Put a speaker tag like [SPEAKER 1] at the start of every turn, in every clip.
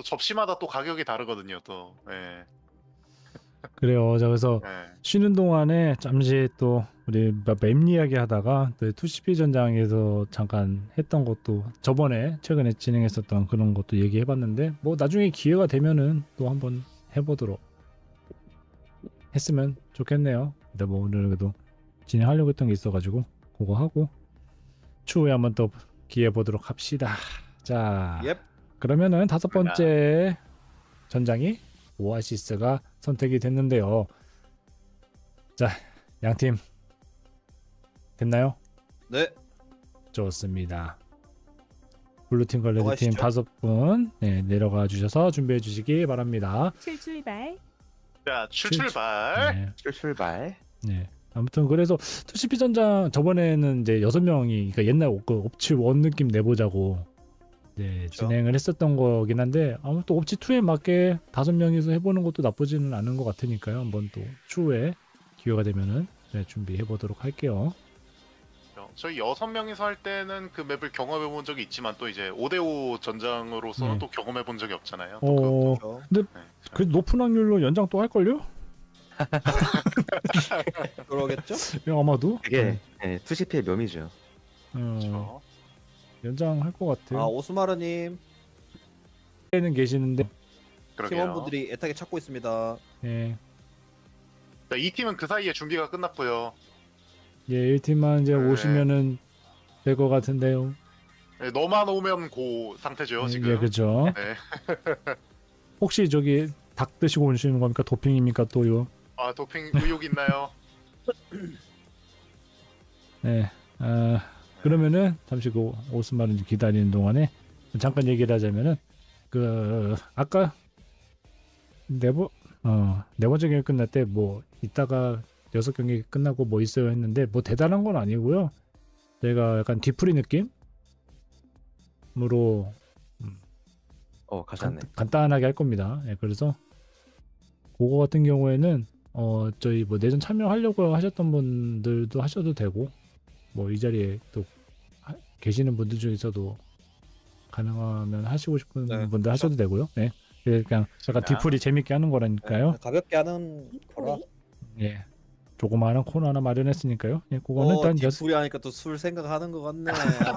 [SPEAKER 1] 접시마다 또 가격이 다르거든요. 또. 예.
[SPEAKER 2] 그래요. 자, 그래서
[SPEAKER 1] 예.
[SPEAKER 2] 쉬는 동안에 잠시 또 우리 맵 이야기 하다가 또 2CP 전장에서 잠깐 했던 것도 저번에 최근에 진행했었던 그런 것도 얘기해봤는데 뭐 나중에 기회가 되면은 또 한번 해보도록 했으면 좋겠네요. 근데 뭐 오늘 그래도 진행하려고 했던 게 있어가지고 그거 하고 추후에 한번 또 기회 보도록 합시다. 자,
[SPEAKER 3] 옙.
[SPEAKER 2] 그러면은 다섯 번째 전장이 오아시스가 선택이 됐는데요. 자, 양팀 됐나요?
[SPEAKER 3] 네.
[SPEAKER 2] 좋습니다. 블루팀 과 레드팀
[SPEAKER 3] 들어가시죠.
[SPEAKER 2] 5분 네, 내려가 주셔서 준비해 주시기 바랍니다.
[SPEAKER 4] 출발.
[SPEAKER 1] 자, 출발.
[SPEAKER 2] 네,
[SPEAKER 5] 출발.
[SPEAKER 2] 네. 아무튼 그래서 2CP 전장 저번에는 이제 6명이 그러니까 옛날 그 옵치 1 느낌 내보자고 네,
[SPEAKER 3] 그렇죠.
[SPEAKER 2] 진행을 했었던 거긴 한데 아무튼 옵치 2에 맞게 5명이서 해보는 것도 나쁘지는 않은 것 같으니까요. 한번 또 추후에 기회가 되면은 네, 준비해 보도록 할게요.
[SPEAKER 1] 저희 6명이서 할 때는 그 맵을 경험해 본 적이 있지만 또 이제 5대5 전장으로서는
[SPEAKER 2] 네.
[SPEAKER 1] 또 경험해 본 적이 없잖아요. 또 그것도.
[SPEAKER 3] 그렇죠.
[SPEAKER 1] 네.
[SPEAKER 2] 그 높은 확률로 연장 또 할걸요?
[SPEAKER 3] 그러겠죠?
[SPEAKER 2] 아마도
[SPEAKER 5] 그게 네, 2CP의 묘미죠.
[SPEAKER 1] 그렇죠.
[SPEAKER 2] 연장 할 것 같아요.
[SPEAKER 3] 아 오스마르님
[SPEAKER 2] 는 계시는데
[SPEAKER 1] 그러게요.
[SPEAKER 3] 팀원분들이 애타게 찾고 있습니다.
[SPEAKER 2] 예,
[SPEAKER 1] 자, 이 팀은 그 사이에 준비가 끝났고요.
[SPEAKER 2] 예 1팀만 이제
[SPEAKER 1] 네.
[SPEAKER 2] 오시면은 될 것 같은데요.
[SPEAKER 1] 네, 너만 오면 고 상태죠
[SPEAKER 2] 예,
[SPEAKER 1] 지금.
[SPEAKER 2] 예, 그렇죠.
[SPEAKER 1] 네.
[SPEAKER 2] 혹시 저기 닭 드시고 오시는 겁니까? 도핑입니까 또요?
[SPEAKER 1] 아 도핑 의혹 있나요?
[SPEAKER 2] 네. 그러면은 잠시 그 오스마른 기다리는 동안에 잠깐 얘기를 하자면은 그 아까 네 번째 경기 끝날 때 뭐 이따가 6경기 끝나고 뭐 있어요 했는데 뭐 대단한 건 아니고요. 제가 약간 뒤풀이 느낌으로
[SPEAKER 5] 가셨네.
[SPEAKER 2] 간단하게 할 겁니다. 예, 그래서 그거 같은 경우에는 저희 뭐 내전 참여하려고 하셨던 분들도 하셔도 되고 뭐 이 자리에 또 계시는 분들 중에서도 가능하면 하시고 싶은
[SPEAKER 3] 네,
[SPEAKER 2] 분들
[SPEAKER 3] 그렇죠.
[SPEAKER 2] 하셔도 되고요. 네. 그냥 약간 뒤풀이 재밌게 하는 거라니까요.
[SPEAKER 3] 네, 가볍게 하는 거라.
[SPEAKER 2] 예. 조그마한 코너 하나 마련했으니까요. 예, 그거는 일단
[SPEAKER 3] 뒷풀이 하니까 또 술 생각하는 것 같네.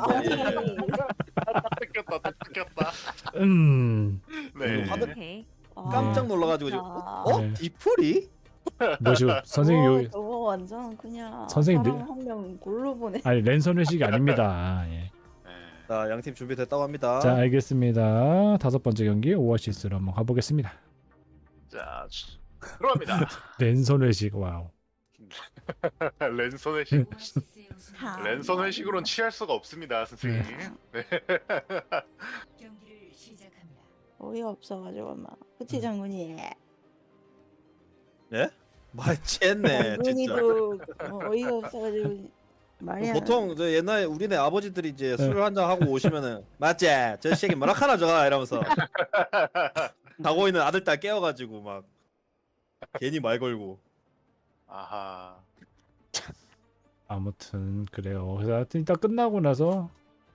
[SPEAKER 1] 뜯겼다 또 뜯겼다.
[SPEAKER 2] 네.
[SPEAKER 1] 네.
[SPEAKER 4] 오케이.
[SPEAKER 3] 깜짝 놀라가지고 지금
[SPEAKER 2] 네.
[SPEAKER 3] 뒷풀이?
[SPEAKER 2] 뭐죠? 선생님 요
[SPEAKER 6] 저거 완전 그냥
[SPEAKER 2] 선생님
[SPEAKER 6] 사람 한 명 골로 보내.
[SPEAKER 2] 아니 랜선 회식이 아닙니다. 예.
[SPEAKER 1] 네.
[SPEAKER 3] 자 양팀 준비됐다고 합니다.
[SPEAKER 2] 자, 알겠습니다. 5번째 경기 오아시스로 한번 가보겠습니다.
[SPEAKER 1] 자 들어갑니다.
[SPEAKER 2] 랜선 회식 와우.
[SPEAKER 1] 랜선 회식. 랜선 회식으로는 취할 수가 없습니다, 선생님. 네.
[SPEAKER 4] 경기를 시작합니다.
[SPEAKER 6] 어이가 없어가지고 막 그치 장군이.
[SPEAKER 3] 말 챘네 진짜.
[SPEAKER 6] 장군이도 어이가 없어가지고 말이야.
[SPEAKER 3] 보통 저 옛날에 우리네 아버지들이 이제 술을 한잔 하고 오시면은 맞지? 저 새끼 뭐라 하나 저가 이러면서 자고 있는 아들 딸 깨워가지고 막 괜히 말 걸고.
[SPEAKER 1] 아하.
[SPEAKER 2] 아무튼 그래요. 그래서 하여튼 이따 끝나고 나서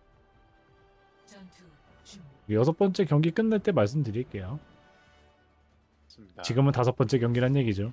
[SPEAKER 4] 전투 준비.
[SPEAKER 2] 6번째 경기 끝날 때 말씀드릴게요.
[SPEAKER 1] 좋습니다.
[SPEAKER 2] 지금은 5번째 경기란 얘기죠.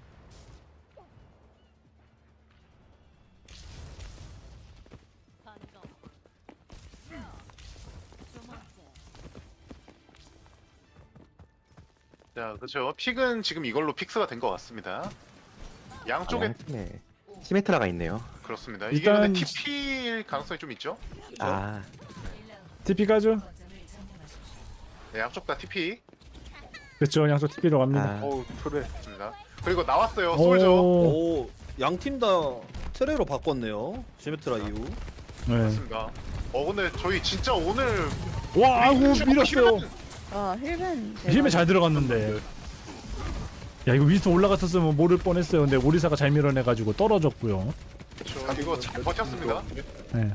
[SPEAKER 1] 자 그렇죠. 픽은 지금 이걸로 픽스가 된 것 같습니다. 양쪽에
[SPEAKER 5] 양팀에 시메트라가 있네요.
[SPEAKER 1] 그렇습니다.
[SPEAKER 2] 일단-
[SPEAKER 1] 이게 근데 TP일 가능성이 좀 있죠?
[SPEAKER 5] 아,
[SPEAKER 2] TP 가죠?
[SPEAKER 1] 네, 양쪽 다 TP.
[SPEAKER 2] 그렇죠. 양쪽 TP로 갑니다.
[SPEAKER 5] 아,
[SPEAKER 1] 어우 그렇습니다. 그리고 나왔어요. 솔저.
[SPEAKER 2] 오,
[SPEAKER 3] 오 양팀 다 트레로 바꿨네요. 시메트라 이후.
[SPEAKER 2] 네.
[SPEAKER 1] 그렇습니다. 근데 저희 진짜 오늘
[SPEAKER 2] 와, 아이고 밀었어요.
[SPEAKER 6] 힐벤.
[SPEAKER 2] 힘에 잘 들어갔는데. 야, 이거 위스터 올라갔었으면 모를 뻔했어요. 근데 오리사가 잘 밀어내가지고 떨어졌고요.
[SPEAKER 1] 그렇죠. 이거 잘 버텼습니다.
[SPEAKER 2] 네.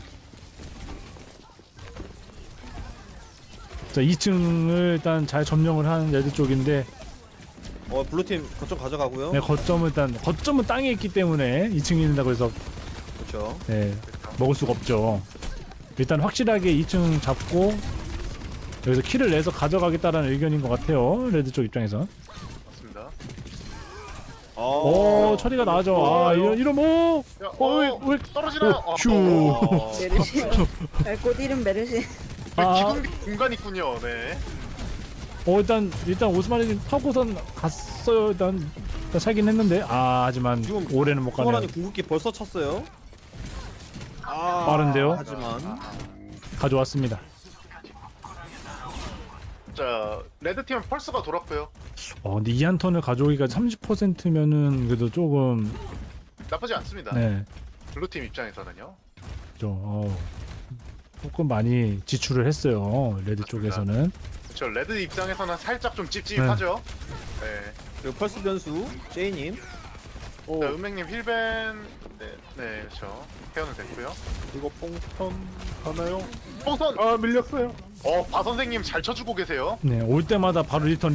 [SPEAKER 2] 자, 2층을 일단 잘 점령을 한 레드 쪽인데
[SPEAKER 3] 블루팀 거점 가져가고요.
[SPEAKER 2] 네, 거점은 땅에 있기 때문에 2층에 있는다고 해서
[SPEAKER 3] 그렇죠.
[SPEAKER 2] 네, 먹을 수가 없죠. 일단 확실하게 2층 잡고 여기서 킬을 내서 가져가겠다라는 의견인 것 같아요. 레드 쪽 입장에서.
[SPEAKER 1] 맞습니다.
[SPEAKER 2] 오, 처리가 나죠. 아, 이런 뭐.
[SPEAKER 1] 야,
[SPEAKER 2] 왜
[SPEAKER 1] 떨어지나요?
[SPEAKER 2] 휴.
[SPEAKER 6] 메르시. 곧 이름 메르시.
[SPEAKER 2] 아.
[SPEAKER 1] 기둥 공간 있군요. 네.
[SPEAKER 2] 일단 오스마리님 타고선 갔어요. 일단 살긴 했는데 하지만
[SPEAKER 3] 지금
[SPEAKER 2] 올해는 못 가네요.
[SPEAKER 3] 소원이 궁극기 벌써 찼어요.
[SPEAKER 2] 빠른데요?
[SPEAKER 3] 하지만
[SPEAKER 2] 가져왔습니다.
[SPEAKER 1] 자, 레드 팀은 펄스가 돌았고요.
[SPEAKER 2] 근데 이 한 턴을 가져오기가 30%면은 그래도 조금
[SPEAKER 1] 나쁘지 않습니다.
[SPEAKER 2] 네,
[SPEAKER 1] 블루 팀 입장에서는요.
[SPEAKER 2] 조금 많이 지출을 했어요. 레드 쪽에서는.
[SPEAKER 1] 그렇죠. 레드 입장에서는 살짝 좀 찝찝하죠. 네.
[SPEAKER 3] 그리고 펄스 변수 제이님.
[SPEAKER 1] 자, 은맹님 힐벤 네, 그렇죠. 케어는 됐고요.
[SPEAKER 7] 이거 뽕턴 가나요?
[SPEAKER 1] 뽕선.
[SPEAKER 7] 아 밀렸어요.
[SPEAKER 1] 바 선생님 잘 쳐주고 계세요.
[SPEAKER 2] 네, 올 때마다 바로 리턴.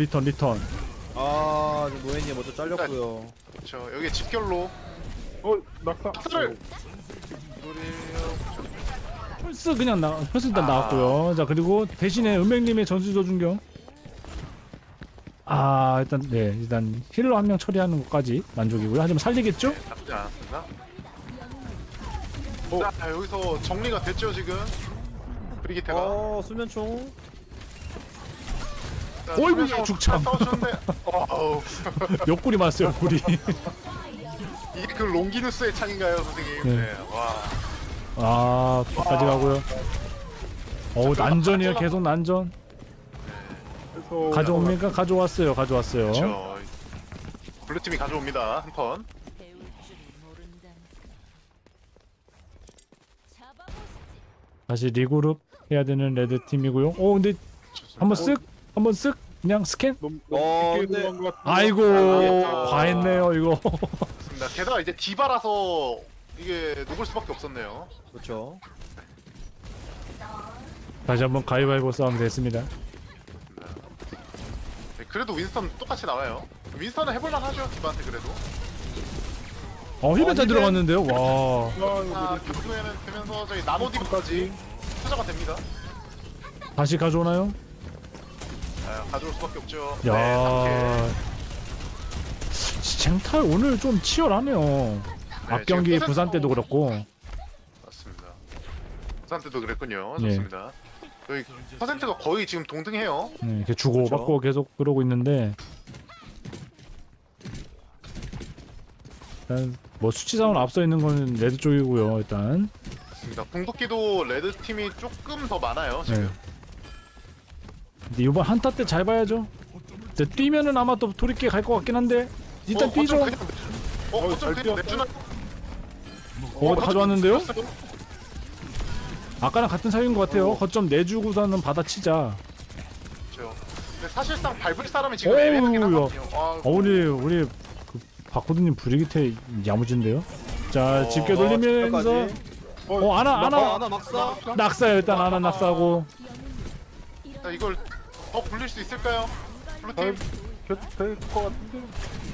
[SPEAKER 3] 노예님 먼저 잘렸고요.
[SPEAKER 1] 그렇죠. 여기 집결로
[SPEAKER 7] 낙사.
[SPEAKER 1] 박스를.
[SPEAKER 2] 펄스 펄스 일단 나왔고요. 자, 그리고 대신에 은맹님의 전수 조준경. 일단 힐러 한 명 처리하는 것까지 만족이고요. 하지만 살리겠죠?
[SPEAKER 1] 나쁘지 않았습니다. 자, 여기서 정리가 됐죠 지금. 브리기테가.
[SPEAKER 3] 수면총.
[SPEAKER 1] 자,
[SPEAKER 2] 어이구,
[SPEAKER 1] 수면총
[SPEAKER 2] 죽참.
[SPEAKER 1] 싸우셨는데.
[SPEAKER 2] 옆구리 맞았어요, 옆구리.
[SPEAKER 1] 이게 그 롱기누스의 창인가요, 선생님?
[SPEAKER 2] 네.
[SPEAKER 1] 네. 와.
[SPEAKER 2] 끝까지 가고요. 난전이에요. 계속 난전.
[SPEAKER 7] 그래서
[SPEAKER 2] 가져옵니까? 가져왔어요.
[SPEAKER 1] 그렇죠. 블루 팀이 가져옵니다 한 턴.
[SPEAKER 4] 배울 줄을 모른다는. 잡아보시지.
[SPEAKER 2] 다시 리그룹 해야 되는 레드 팀이고요. 근데 한번 쓱 그냥 스캔.
[SPEAKER 7] 너무
[SPEAKER 3] 근데-
[SPEAKER 7] 깊게 들어간 것 같은데.
[SPEAKER 2] 아이고,
[SPEAKER 1] 아.
[SPEAKER 2] 과했네요 이거.
[SPEAKER 1] 맞습니다. 게다가 이제 디바라서 이게 녹을 수밖에 없었네요.
[SPEAKER 3] 그렇죠.
[SPEAKER 2] 다시 한번 가위바위보 싸움 됐습니다.
[SPEAKER 1] 네, 그래도 윈스턴 똑같이 나와요. 윈스턴은 해볼만 하죠 디바한테 그래도.
[SPEAKER 2] 힐벤 잘
[SPEAKER 3] 힐벤.
[SPEAKER 2] 들어갔는데요. 와.
[SPEAKER 1] 결국에는 되면서 저희 나노디브까지 투자가 됩니다.
[SPEAKER 2] 다시 가져오나요?
[SPEAKER 1] 가져올 수밖에 없죠.
[SPEAKER 2] 야.
[SPEAKER 1] 네,
[SPEAKER 2] 쟁탈 오늘 좀 치열하네요. 앞 경기
[SPEAKER 1] 지금
[SPEAKER 2] 부산 때도 그렇고.
[SPEAKER 1] 맞습니다. 부산 때도 그랬군요.
[SPEAKER 2] 네.
[SPEAKER 1] 좋습니다. 여기 퍼센트가 거의 지금 동등해요.
[SPEAKER 2] 네, 이렇게 주고 받고 계속 그러고 있는데 일단 뭐 수치상으로 앞서 있는 거는 레드 쪽이고요. 일단
[SPEAKER 1] 맞습니다. 궁극기도 레드 팀이 조금 더 많아요 지금.
[SPEAKER 2] 네. 근데 이번 한타 때 잘 봐야죠. 이제 뛰면은 아마 또 돌이켜 갈 것 같긴 한데 일단 뛰죠.
[SPEAKER 1] 어쩜
[SPEAKER 7] 잘
[SPEAKER 1] 그냥
[SPEAKER 7] 뛰었다.
[SPEAKER 1] 내주나?
[SPEAKER 2] 가져왔는데요?
[SPEAKER 1] 뛰었어요?
[SPEAKER 2] 아까랑 같은 사이인 것 같아요. 거점 내주고서는 받아치자.
[SPEAKER 1] 그렇죠. 근데 사실상 밟을 사람이 지금 애매하긴
[SPEAKER 2] 어우야.
[SPEAKER 1] 하거든요.
[SPEAKER 2] 우리 그 박호드님 브리기테 야무진데요. 자, 집게 돌리면서 아나
[SPEAKER 3] 하나 막사.
[SPEAKER 2] 낙사요. 일단 아나 낙사하고.
[SPEAKER 1] 자, 이걸 더 굴릴 수 있을까요? 블루팀
[SPEAKER 7] 될것 같은데.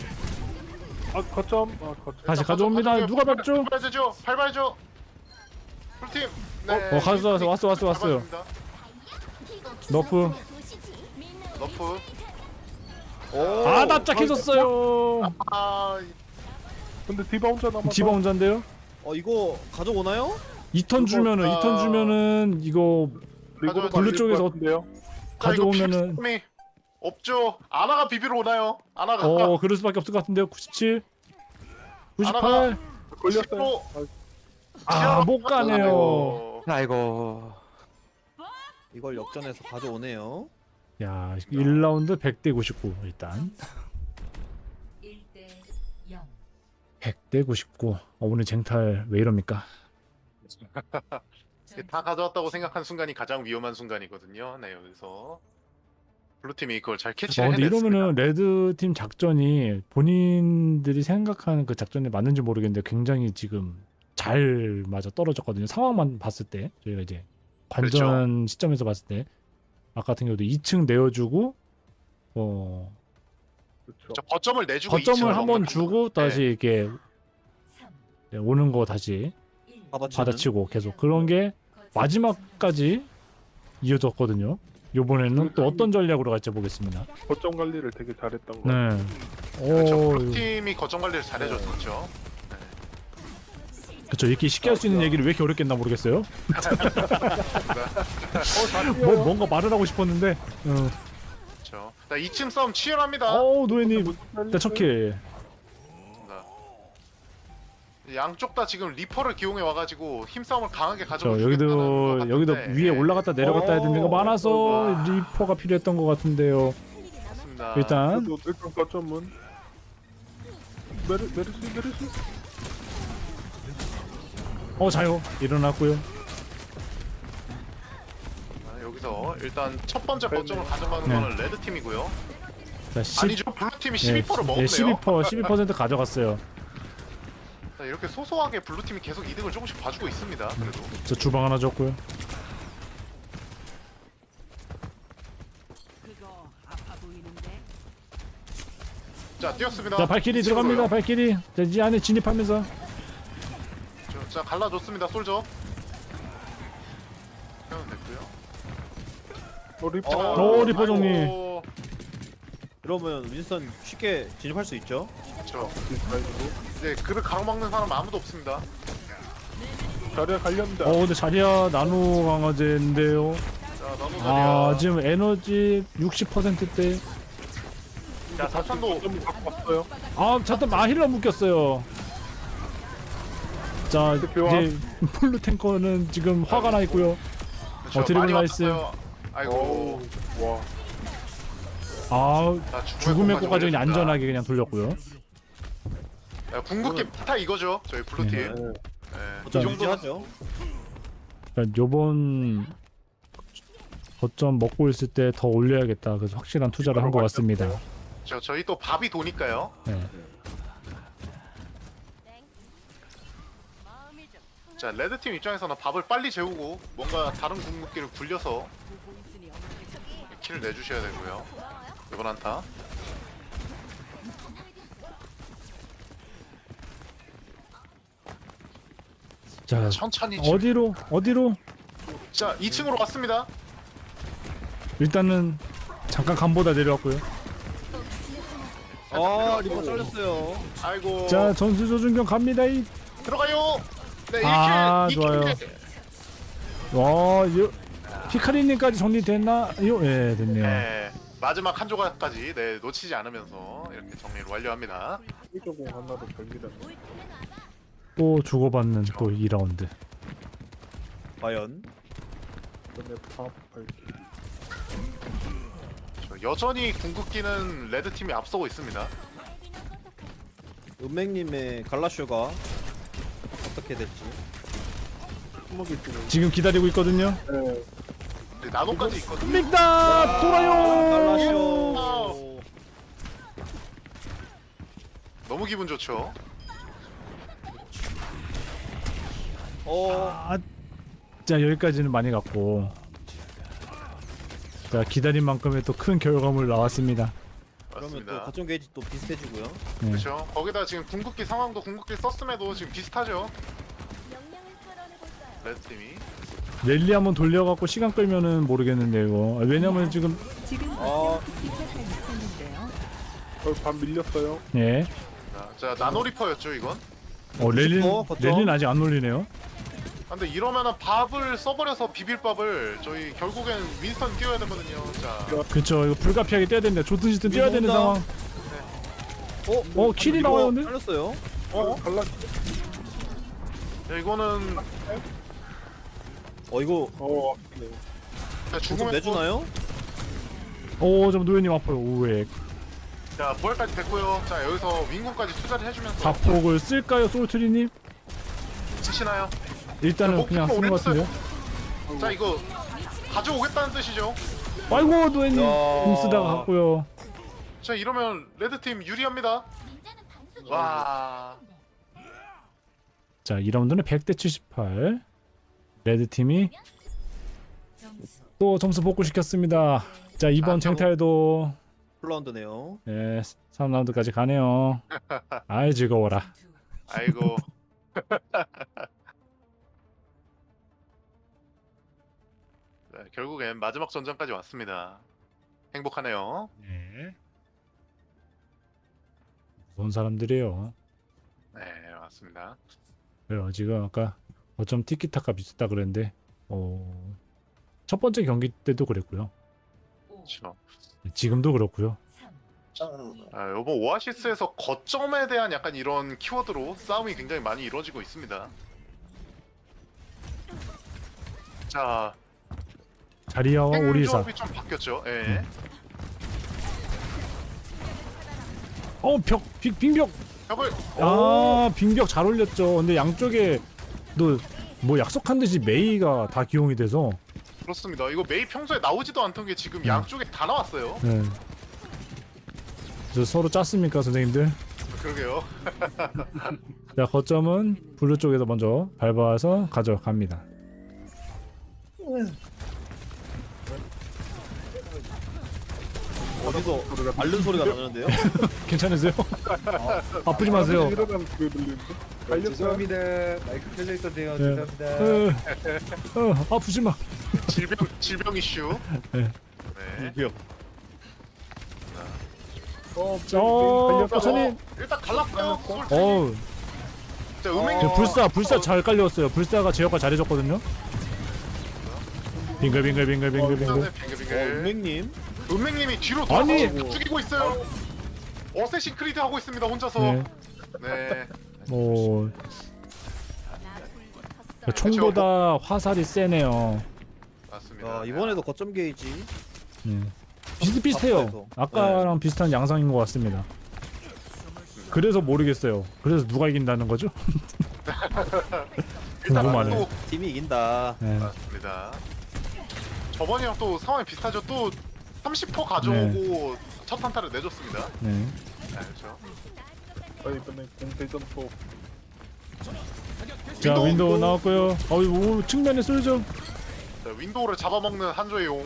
[SPEAKER 7] 거점.
[SPEAKER 2] 다시 가져옵니다. 누가 밟죠?
[SPEAKER 1] 밟아야죠. 밟아야죠. 블루팀. 네.
[SPEAKER 2] 왔어요. 너프.
[SPEAKER 1] 너프.
[SPEAKER 2] 납작해졌어요.
[SPEAKER 7] 근데 디바 혼자 남았다.
[SPEAKER 2] 디바 혼자인데요?
[SPEAKER 3] 이거 가져오나요?
[SPEAKER 2] 2턴 주면은 이거
[SPEAKER 1] 가져올
[SPEAKER 2] 블루 쪽에서
[SPEAKER 7] 같은데요.
[SPEAKER 2] 가져오면은
[SPEAKER 1] 이 없죠. 아나가 비비러 오나요? 아나가.
[SPEAKER 2] 그럴 수밖에 없을 것 같은데요. 97, 98.
[SPEAKER 7] 걸렸어요.
[SPEAKER 2] 못 가네요.
[SPEAKER 5] 아이고.
[SPEAKER 3] 이걸 역전해서 가져오네요.
[SPEAKER 2] 야, 1라운드 100대 99 일단.
[SPEAKER 4] 1대 0.
[SPEAKER 2] 100대 99. 오늘 쟁탈 왜 이럽니까?
[SPEAKER 1] 다 가져왔다고 생각한 순간이 가장 위험한 순간이거든요. 네, 여기서 블루팀이 그걸 잘 캐치를
[SPEAKER 2] 근데
[SPEAKER 1] 해냈습니다.
[SPEAKER 2] 이러면은 레드 팀 작전이 본인들이 생각하는 그 작전에 맞는지 모르겠는데 굉장히 지금 잘 맞아 떨어졌거든요. 상황만 봤을 때 저희가 이제 관전 시점에서 봤을 때 아까 같은 경우도 2층 내어주고
[SPEAKER 7] 그렇죠.
[SPEAKER 1] 저 거점을 내주고
[SPEAKER 2] 거점을
[SPEAKER 1] 2층을
[SPEAKER 2] 한번
[SPEAKER 1] 넘는
[SPEAKER 2] 주고 다시 이렇게
[SPEAKER 4] 3.
[SPEAKER 2] 오는 거 다시
[SPEAKER 4] 1.
[SPEAKER 3] 받아치는.
[SPEAKER 2] 받아치고 계속 그런 게 마지막까지 이어졌거든요. 요번에는 또 어떤 전략으로 갈지 보겠습니다.
[SPEAKER 7] 거점 관리를 되게 잘했던 거.
[SPEAKER 2] 네.
[SPEAKER 1] 그렇죠.
[SPEAKER 2] 오,
[SPEAKER 1] 블루팀이 거점 관리를 잘해줬었죠.
[SPEAKER 2] 그쵸. 이렇게 쉽게 할 수 있는 얘기를 왜 이렇게 어렵게 했나 모르겠어요. 뭔가 말을 하고 싶었는데.
[SPEAKER 1] 그렇죠. 자, 2층 싸움 치열합니다.
[SPEAKER 2] 노예님. 일단 첫 킬.
[SPEAKER 1] 양쪽 다 지금 리퍼를 기용해 와가지고 힘싸움을 강하게
[SPEAKER 2] 저
[SPEAKER 1] 가져고
[SPEAKER 2] 여기도 위에 올라갔다 내려갔다 해야 되는 거 많아서 리퍼가 필요했던 것 같은데요.
[SPEAKER 1] 맞습니다.
[SPEAKER 2] 일단
[SPEAKER 7] 일단 거점은 메르시.
[SPEAKER 2] 자요 일어났고요.
[SPEAKER 1] 여기서 일단 첫 번째 거점을 가져가는
[SPEAKER 2] 네.
[SPEAKER 1] 거는 레드 팀이고요.
[SPEAKER 2] 자,
[SPEAKER 1] 아니죠, 블루 팀이 12%를 먹었네요.
[SPEAKER 2] 12% 가져갔어요.
[SPEAKER 1] 자, 이렇게 소소하게 블루 팀이 계속 이득을 조금씩 봐주고 있습니다. 그래도
[SPEAKER 2] 저 주방 하나 줬고요.
[SPEAKER 4] 그거 아파 보이는데.
[SPEAKER 1] 자 뛰었습니다.
[SPEAKER 2] 자 발키리 들어갑니다. 발키리. 자 이 안에 진입하면서
[SPEAKER 1] 자 갈라줬습니다. 솔저. 하면 됐고요.
[SPEAKER 7] 리퍼.
[SPEAKER 2] 리퍼 정리.
[SPEAKER 1] 아이고,
[SPEAKER 3] 그러면 윈스턴 쉽게 진입할 수 있죠.
[SPEAKER 1] 그렇죠. 이제 그를 가로막는 사람 아무도 없습니다.
[SPEAKER 7] 자리에 갈렸다.
[SPEAKER 2] 근데 자리야 나노 강화제인데요.
[SPEAKER 1] 자 나노 자리야.
[SPEAKER 2] 지금 에너지 60%대.
[SPEAKER 1] 자 사탄도
[SPEAKER 7] 좀 갖고 왔어요.
[SPEAKER 2] 잠깐 힐러 묶였어요. 자
[SPEAKER 7] 교환.
[SPEAKER 2] 이제 폴루 탱커는 지금 화가 나 있고요.
[SPEAKER 1] 그렇죠.
[SPEAKER 2] 드리블
[SPEAKER 1] 많이
[SPEAKER 2] 나이스.
[SPEAKER 1] 왔어요. 아이고.
[SPEAKER 7] 와.
[SPEAKER 1] 자,
[SPEAKER 2] 죽음의 꽃까지 그냥
[SPEAKER 1] 올렸습니다.
[SPEAKER 2] 안전하게 그냥 돌렸고요.
[SPEAKER 1] 야, 궁극기 타 이거죠. 저희 블루 팀.
[SPEAKER 2] 네.
[SPEAKER 1] 네. 이
[SPEAKER 3] 좀
[SPEAKER 1] 정도는
[SPEAKER 3] 유지하죠.
[SPEAKER 2] 요번 거점 먹고 있을 때 더 올려야겠다. 그래서 확실한 투자를 한 것 같습니다.
[SPEAKER 1] 저희 또 밥이 도니까요.
[SPEAKER 2] 네.
[SPEAKER 4] 마음이 좀
[SPEAKER 1] 자 레드 팀 입장에서는 밥을 빨리 재우고 뭔가 다른 궁극기를 굴려서
[SPEAKER 4] 보고 있으니 어떻게
[SPEAKER 1] 킬을 내주셔야 되고요. 이번 한타.
[SPEAKER 2] 자
[SPEAKER 1] 천천히.
[SPEAKER 2] 어디로
[SPEAKER 1] 자 2층으로 왔습니다.
[SPEAKER 2] 일단은 잠깐 간보다 내려왔고요.
[SPEAKER 3] 리퍼 잘렸어요.
[SPEAKER 1] 아이고.
[SPEAKER 2] 자 전수 조준경 갑니다.
[SPEAKER 1] 들어가요. 네 1킬.
[SPEAKER 2] 아,
[SPEAKER 1] 2킬.
[SPEAKER 2] 좋아요. 피카리님까지 정리됐나요? 예 됐네요.
[SPEAKER 1] 네. 마지막 한 조각까지 놓치지 않으면서 이렇게 정리를 완료합니다.
[SPEAKER 7] 이조공 하나로 결기다.
[SPEAKER 2] 또 주고받는 또 2라운드.
[SPEAKER 3] 과연
[SPEAKER 7] 그다음에 밥 발기.
[SPEAKER 1] 여전히 궁극기는 레드 팀이 앞서고 있습니다.
[SPEAKER 3] 은맹님의 갈라쇼가 어떻게 될지.
[SPEAKER 7] 손목이 지금.
[SPEAKER 2] 지금 기다리고 있거든요.
[SPEAKER 7] 네.
[SPEAKER 1] 네, 나노까지 있거든요.
[SPEAKER 2] 믹다 돌아요.
[SPEAKER 3] 갈라쇼.
[SPEAKER 1] 너무 기분 좋죠.
[SPEAKER 2] 자 여기까지는 많이 갔고. 자 기다린 만큼의 또 큰 결과물 나왔습니다.
[SPEAKER 3] 그러면 또
[SPEAKER 1] 맞습니다.
[SPEAKER 3] 거점 게이지 또 비슷해지고요.
[SPEAKER 2] 네.
[SPEAKER 1] 그렇죠. 거기다 지금 궁극기 상황도 궁극기 썼음에도 지금 비슷하죠. 레드 팀이.
[SPEAKER 2] 랠리 한번 돌려갖고 시간 끌면은 모르겠는데 이거. 왜냐면 지금
[SPEAKER 7] 밥 밀렸어요.
[SPEAKER 2] 예.
[SPEAKER 1] 자 나노리퍼였죠 이건.
[SPEAKER 2] 랠리는 아직 안 올리네요.
[SPEAKER 1] 근데 이러면은 밥을 써버려서 비빌밥을 저희 결국엔 윈스턴 뛰어야 되거든요. 자,
[SPEAKER 2] 그쵸 이거 불가피하게 뛰어야 됩니다. 좋든 싫든 뛰어야 되는
[SPEAKER 3] 온다.
[SPEAKER 2] 상황. 킬이 나와요 근데?
[SPEAKER 3] 잘렸어요.
[SPEAKER 7] 갈라.
[SPEAKER 1] 야, 이거는
[SPEAKER 3] 이거
[SPEAKER 7] 네.
[SPEAKER 1] 자,
[SPEAKER 3] 좀
[SPEAKER 1] 죽음의
[SPEAKER 3] 내주나요?
[SPEAKER 2] 좀 노현님 아파요. 오에
[SPEAKER 1] 자 부활까지 됐고요. 자 여기서 윈공까지 투자를 해주면서
[SPEAKER 2] 자폭을 쓸까요 솔트리님?
[SPEAKER 1] 치시나요?
[SPEAKER 2] 일단은
[SPEAKER 1] 자,
[SPEAKER 2] 그냥
[SPEAKER 1] 목표가
[SPEAKER 2] 쓰는 것
[SPEAKER 1] 올렸어요.
[SPEAKER 2] 같은데요.
[SPEAKER 1] 자 이거 가져오겠다는 뜻이죠.
[SPEAKER 2] 아이고 노현님
[SPEAKER 3] 야.
[SPEAKER 2] 공 쓰다가 갔고요.
[SPEAKER 1] 자 이러면 레드 팀 유리합니다. 와,
[SPEAKER 2] 자 2라운드는 100대 78. 레드 팀이
[SPEAKER 4] 점수
[SPEAKER 2] 또 점수 복구시켰습니다. 자 이번
[SPEAKER 1] 자,
[SPEAKER 2] 쟁탈도
[SPEAKER 3] 플라운드네요.
[SPEAKER 2] 3라운드까지 가네요. 아이 즐거워라.
[SPEAKER 1] 아이고. 자, 결국엔 마지막 전장까지 왔습니다. 행복하네요.
[SPEAKER 2] 네. 무서운 사람들이에요.
[SPEAKER 1] 네, 맞습니다.
[SPEAKER 2] 그래요. 지금 아까 어쩜 티키타카 비슷하다 그랬는데 첫 번째 경기 때도 그랬고요.
[SPEAKER 1] 그렇죠.
[SPEAKER 2] 지금도 그렇고요.
[SPEAKER 1] 이번 오아시스에서 거점에 대한 약간 이런 키워드로 싸움이 굉장히 많이 이루어지고 있습니다. 자,
[SPEAKER 2] 자리아와 오리사.
[SPEAKER 1] 조합이 좀 바뀌었죠. 예.
[SPEAKER 2] 빙벽.
[SPEAKER 1] 벽을
[SPEAKER 2] 빙벽 잘 올렸죠. 근데 양쪽에 뭐 약속한 듯이 메이가 다 기용이 돼서
[SPEAKER 1] 그렇습니다. 이거 메이 평소에 나오지도 않던 게 지금 양쪽에 다 나왔어요.
[SPEAKER 2] 네. 그래서 서로 짰습니까, 선생님들?
[SPEAKER 1] 그러게요.
[SPEAKER 2] 자, 거점은 블루 쪽에서 먼저 밟아서 가져갑니다.
[SPEAKER 3] 어디서 앓는 소리가 나는데요?
[SPEAKER 2] 괜찮으세요? 아프지 마세요.
[SPEAKER 7] 일어나는 소리 들리는데? 달렸어요.
[SPEAKER 8] 죄송합니다. 마이크 켜져 있었네요.
[SPEAKER 2] 네.
[SPEAKER 8] 죄송합니다.
[SPEAKER 2] 아프지 마.
[SPEAKER 1] 질병 이슈.
[SPEAKER 2] 네.
[SPEAKER 1] 네.
[SPEAKER 3] 기억.
[SPEAKER 2] 버쳐님.
[SPEAKER 1] 일단 갈랐어요. 자,
[SPEAKER 2] 불사 잘 깔렸어요. 불사가 제어가 잘해줬거든요. 빙글빙글.
[SPEAKER 1] 빙글빙글.
[SPEAKER 3] 은행님.
[SPEAKER 1] 은맹님이 뒤로
[SPEAKER 2] 아니!
[SPEAKER 1] 돌아서 죽이고 있어요. 어쌔신 크리드 하고 있습니다. 혼자서.
[SPEAKER 2] 네.
[SPEAKER 1] 네.
[SPEAKER 2] 뭐 총보다 화살이 세네요.
[SPEAKER 1] 맞습니다.
[SPEAKER 3] 이번에도 거점 게이지.
[SPEAKER 2] 네. 비슷비슷해요. 아까랑 비슷한 양상인 것 같습니다. 그래서 모르겠어요. 그래서 누가 이긴다는 거죠? 궁금하네.
[SPEAKER 1] 또
[SPEAKER 3] 팀이 이긴다.
[SPEAKER 2] 네.
[SPEAKER 1] 맞습니다. 저번이랑 또 상황이 비슷하죠. 또 30% 가져오고 첫 한타를 내줬습니다.
[SPEAKER 2] 네.
[SPEAKER 1] 네, 그렇죠.
[SPEAKER 7] 이번에 공대전 또
[SPEAKER 2] 자, 윈도우 나왔고요. 측면에 쏠죠.
[SPEAKER 1] 자, 윈도우를 잡아먹는 한조의 용.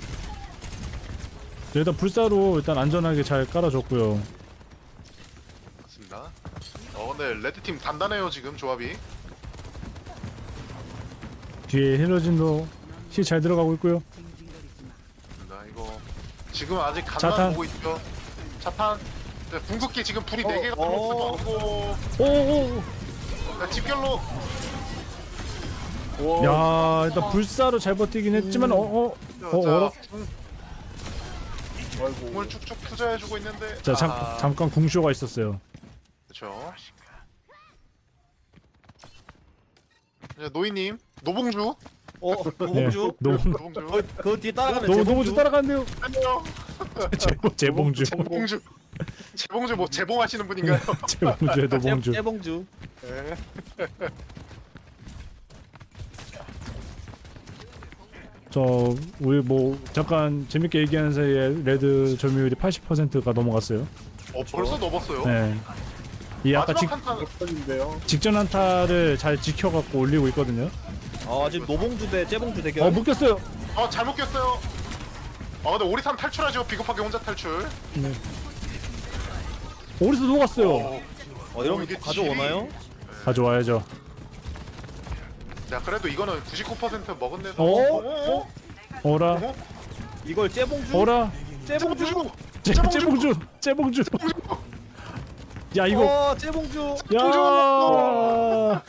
[SPEAKER 2] 일단 불사로 일단 안전하게 잘 깔아줬고요.
[SPEAKER 1] 맞습니다. 근데 레드팀 단단해요 지금 조합이.
[SPEAKER 2] 뒤에 힐러진도 힐 잘 들어가고 있고요.
[SPEAKER 1] 맞습니다. 이거 지금 아직
[SPEAKER 2] 자탄.
[SPEAKER 1] 간만 보고 있죠. 자탄. 자, 궁극기 지금 불이 4개가 들어오고
[SPEAKER 2] 오오오.
[SPEAKER 1] 집결로.
[SPEAKER 2] 야, 일단 불사로 잘 버티긴 했지만 어라?
[SPEAKER 1] 공을 축축 투자해주고 있는데.
[SPEAKER 2] 자, 잠깐 궁쇼가 있었어요.
[SPEAKER 1] 그렇죠. 노이님, 노봉주.
[SPEAKER 3] 노봉주.
[SPEAKER 1] 노봉주.
[SPEAKER 3] 그 뒤에 따라가는
[SPEAKER 2] 노봉주 따라가는데요.
[SPEAKER 1] 안녕.
[SPEAKER 2] 재봉주.
[SPEAKER 1] 노봉주. 재봉주 뭐 재봉하시는 분인가요?
[SPEAKER 2] 재봉주의 노봉주.
[SPEAKER 3] 재봉주.
[SPEAKER 1] 네.
[SPEAKER 2] 우리 뭐 잠깐 재밌게 얘기하는 사이에 레드 점유율이 80%가 넘어갔어요.
[SPEAKER 1] 벌써 넘었어요.
[SPEAKER 2] 네. 이 아까
[SPEAKER 1] 마지막 한타.
[SPEAKER 7] 역전인데요.
[SPEAKER 2] 직전 한타를 잘 지켜갖고 올리고 있거든요.
[SPEAKER 3] 지금 노봉주 대 재봉주 대결.
[SPEAKER 2] 묶였어요.
[SPEAKER 1] 잘 묶였어요. 근데 오리산 탈출하죠. 비겁하게 혼자 탈출.
[SPEAKER 2] 네. 오리스 녹았어요.
[SPEAKER 3] 이러면
[SPEAKER 1] 이게
[SPEAKER 3] 가져오나요?
[SPEAKER 2] 가져와야죠.
[SPEAKER 1] 자, 그래도 이거는 99% 먹은 데서.
[SPEAKER 2] 어라,
[SPEAKER 3] 이걸 재봉주?
[SPEAKER 2] 어라.
[SPEAKER 3] 재봉주?
[SPEAKER 2] 재봉주. 야, 이거.
[SPEAKER 3] 재봉주.
[SPEAKER 2] 야.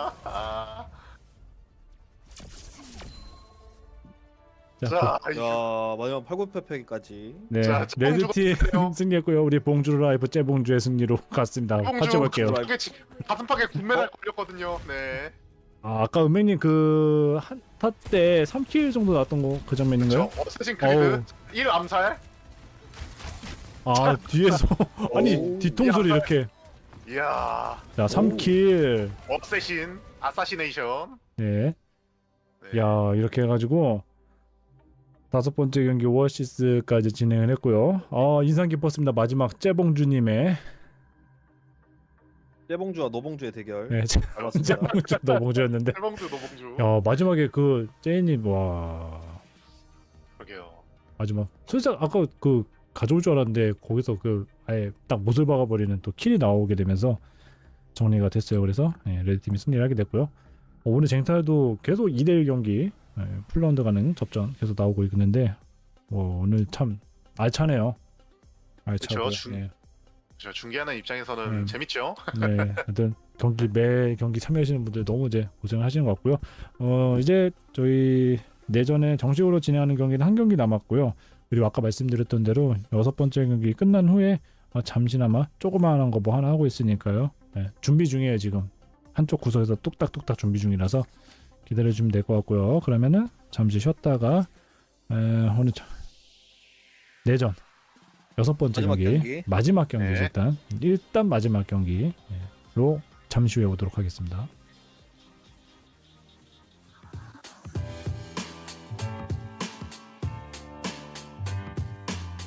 [SPEAKER 1] 자,
[SPEAKER 3] 마지막 8구패패기까지.
[SPEAKER 2] 네,
[SPEAKER 1] 자,
[SPEAKER 2] 레드팀
[SPEAKER 1] 재봉주
[SPEAKER 2] 승리했고요. 우리 봉주 라이브 재봉주의 승리로 갔습니다. 같이 볼게요.
[SPEAKER 1] 이게 가슴팍에 군메달 걸렸거든요. 네.
[SPEAKER 2] 아까 은맹님 그 한타 때 3킬 정도 나왔던 거 그 장면인가요?
[SPEAKER 1] 어쌔신 크리드 1 암살.
[SPEAKER 2] 뒤에서 아니 뒤통수를 이렇게.
[SPEAKER 1] 이야.
[SPEAKER 2] 자, 3킬.
[SPEAKER 1] 어쌔신 아사시네이션.
[SPEAKER 2] 네.
[SPEAKER 1] 네.
[SPEAKER 2] 야, 이렇게 해가지고 5번째 경기 오아시스까지 진행을 했고요. 인상 깊었습니다. 마지막 재봉주님의
[SPEAKER 3] 재봉주와 노봉주의 대결.
[SPEAKER 2] 네, 재봉주 노봉주였는데.
[SPEAKER 1] 철봉주 노봉주.
[SPEAKER 2] 야, 마지막에 그 제이님 와
[SPEAKER 1] 그러게요.
[SPEAKER 2] 마지막 솔직히 아까 그 가져올 줄 알았는데 거기서 그 아예 딱 못을 박아버리는 또 킬이 나오게 되면서 정리가 됐어요. 그래서 레드팀이 승리를 하게 됐고요. 오늘 쟁탈도 계속 2대1 경기 풀라운드 가는 접전 계속 나오고 있는데 오늘 참 알차네요. 알차고.
[SPEAKER 1] 그쵸,
[SPEAKER 2] 네.
[SPEAKER 1] 저 중계하는 입장에서는 재밌죠.
[SPEAKER 2] 네, 하여튼 매 경기 참여하시는 분들 너무 이제 고생하시는 것 같고요. 이제 저희 내전에 정식으로 진행하는 경기는 한 경기 남았고요. 그리고 아까 말씀드렸던 대로 6번째 경기 끝난 후에 잠시나마 조그마한 거 뭐 하나 하고 있으니까요. 네, 준비 중이에요 지금. 한쪽 구석에서 뚝딱뚝딱 준비 중이라서 기다려주면 될 것 같고요. 그러면은 잠시 쉬었다가 오늘 내전 6번째 마지막 경기
[SPEAKER 1] 네.
[SPEAKER 2] 일단 마지막 경기로 잠시 후에 오도록 하겠습니다.